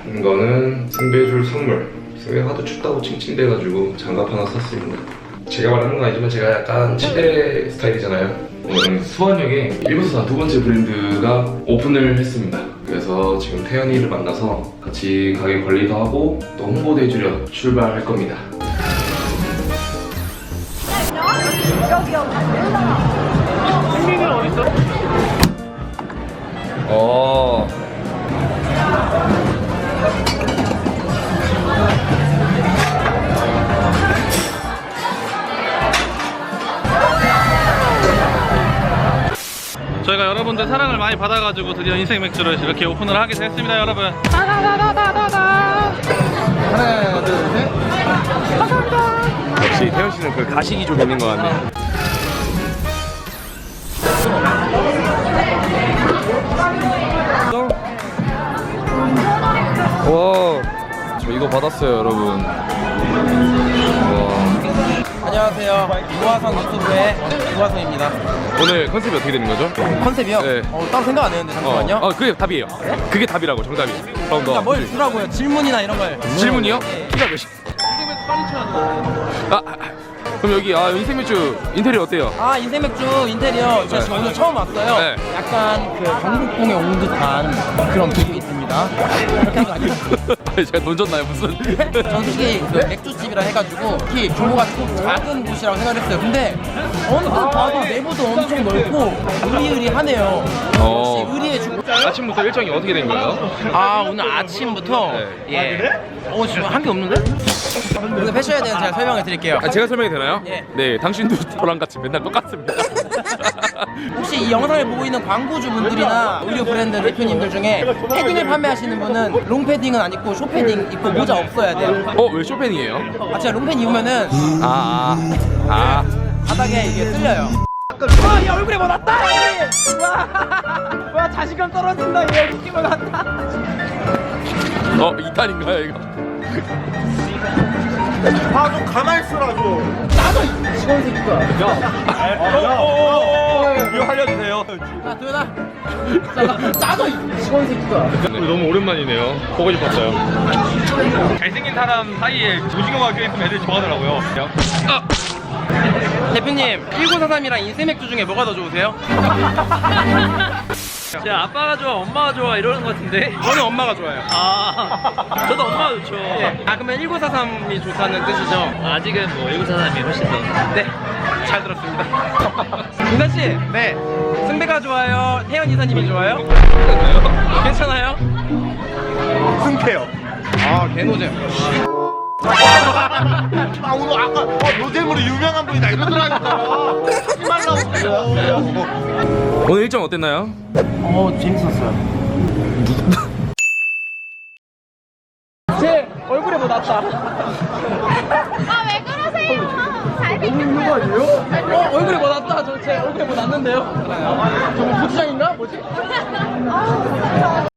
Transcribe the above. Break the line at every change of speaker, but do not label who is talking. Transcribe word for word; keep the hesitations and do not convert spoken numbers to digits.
이거는 승배줄 선물. 승배가 하도 춥다고 칭칭대가지고 장갑 하나 샀습니다. 제가 말하는 건 아니지만 제가 약간 치대 스타일이잖아요. 오늘은 수원역에 일본산 두 번째 브랜드가 오픈을 했습니다. 그래서 지금 태연이를 만나서 같이 가게 관리도 하고 또 홍보도 해주려 출발할 겁니다.
승민이 어딨어?
어.
저희가 여러분들 사랑을 많이 받아가지고 드디어 인생 맥주를 이렇게 오픈을 하게 됐습니다, 여러분. 하나, 둘, 셋. 감사합니다.
역시 태연 씨는 그 가식이 좀 있는 것 같네요. 와, 저 이거 받았어요, 여러분. 와.
안녕하세요. 유화성 유튜브의 유화성입니다.
오늘 컨셉이 어떻게 되는 거죠?
컨셉이요?
네.
어, 따로 생각 안 했는데 잠시만요.
어, 어 그게 답이에요. 그게 답이라고, 정답이. 그럼
그러니까
너
뭘 주라고요? 질문이나 이런 걸.
질문이요?
네.
키가 몇이? 아, 아, 그럼 여기 아 인생 맥주 인테리어 어때요?
아, 인생 맥주 인테리어 제가 지금
네.
오늘 처음 왔어요.
네.
약간 그 경복궁에 온 듯한 그런 기분이 있습니다. 그렇게 한 거 아니에요?
제가 돈 줬나요 무슨?
전 솔직히 그 맥주집이라 해가지고 특히 규모가 좀 작은 곳이라고 생각했어요. 근데 언뜻 봐도 내부도 엄청 넓고 의리의리하네요.
어.
역시 의리의 주.
아침부터 일정이 어떻게 된 거예요?
아, 오늘 아침부터
네.
예. 어, 지금 한 게 없는데? 오늘 패션에 대해서 제가 설명을 드릴게요.
아, 제가 설명이 되나요?
예.
네, 당신도 저랑 같이 맨날 똑같습니다.
혹시 이 영상을 보고 있는 광고주분들이나 의류 브랜드 대표님들 중에 패딩을 판매하시는 분은 롱패딩은 안 입고 쇼패딩 입고 모자 없어야 돼요.
어, 왜 쇼팽이에요?
아, 제가 롱패딩 입으면은
아, 아, 아.
바닥에 이게 쓸려요. 와, 야, 얼굴에 뭐 났다! 와, 와, 자신감 떨어진다. 얘 웃긴 거 같다.
어, 이 탄인가요, 이거?
아, 좀 가만히 있으라 좀.
나도 직원 새끼가.
이거 알려주세요.
야, 도현아. 잠깐, 나도 직원 새끼가.
너무 오랜만이네요. 보고 싶었어요.
잘생긴 사람 사이에 오징어가 껴있으면 애들이 좋아하더라고요.
아!
대표님, 천구백사십삼이랑 인생 맥주 중에 뭐가 더 좋으세요?
제 아빠가 좋아, 엄마가 좋아 이러는 것 같은데.
저는 엄마가 좋아요.
아, 저도 엄마가 좋죠.
아, 그러면 천구백사십삼이 좋다는 뜻이죠?
아직은 뭐 천구백사십삼이 훨씬 더.
네, 잘 들었습니다. 김단 씨, 네, 승배가 좋아요? 태연 이사님이 좋아요? 괜찮아요?
승태요.
아, 개노잼.
아, 오늘 아까 어, 노잼으로 유명한 분이다 이러더라니까. 하지 말라고.
오늘 일정 어땠나요?
어, 재밌었어요. 제 얼굴에 뭐 났다.
아, 왜 그러세요? 잘생겼어요.
어, 얼굴에 뭐 났다. 저 제 얼굴에 뭐 났는데요? 저거 고추장인가? 뭐지?